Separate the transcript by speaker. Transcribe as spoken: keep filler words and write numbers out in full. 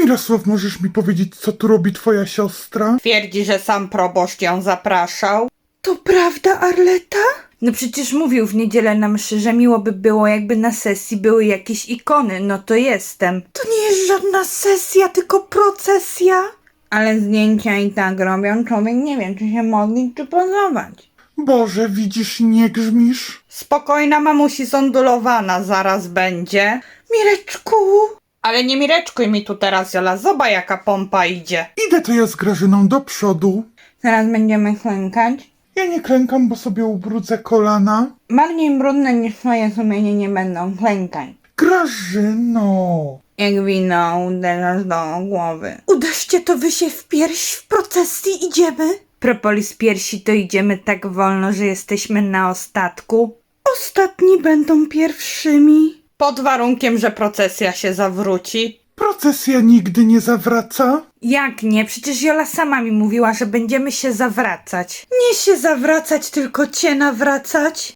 Speaker 1: Mirosław, możesz mi powiedzieć, co tu robi twoja siostra?
Speaker 2: Twierdzi, że sam proboszcz ją zapraszał.
Speaker 3: To prawda, Arleta? No przecież mówił w niedzielę na mszy, że miło by było, jakby na sesji były jakieś ikony. No to jestem. To nie jest żadna sesja, tylko procesja. Ale zdjęcia i tak robią, człowiek nie wie, czy się modlić, czy pozować.
Speaker 1: Boże, widzisz, nie grzmisz?
Speaker 2: Spokojna, mamusi zondulowana zaraz będzie.
Speaker 3: Mireczku!
Speaker 2: Ale nie mireczkuj mi tu teraz, Jola, zobacz jaka pompa idzie.
Speaker 1: Idę to ja z Grażyną do przodu.
Speaker 3: Teraz będziemy klękać.
Speaker 1: Ja nie klękam, bo sobie ubrudzę kolana.
Speaker 3: Bardziej brudne niż twoje sumienie nie będą. Klękaj.
Speaker 1: Grażyno!
Speaker 3: Jak wino uderzasz do głowy. Uderzcie to wy się w pierś, w procesji idziemy. Propolis piersi to idziemy tak wolno, że jesteśmy na ostatku. Ostatni będą pierwszymi.
Speaker 2: Pod warunkiem, że procesja się zawróci.
Speaker 1: Procesja nigdy nie zawraca.
Speaker 3: Jak nie? Przecież Jola sama mi mówiła, że będziemy się zawracać. Nie się zawracać, tylko cię nawracać.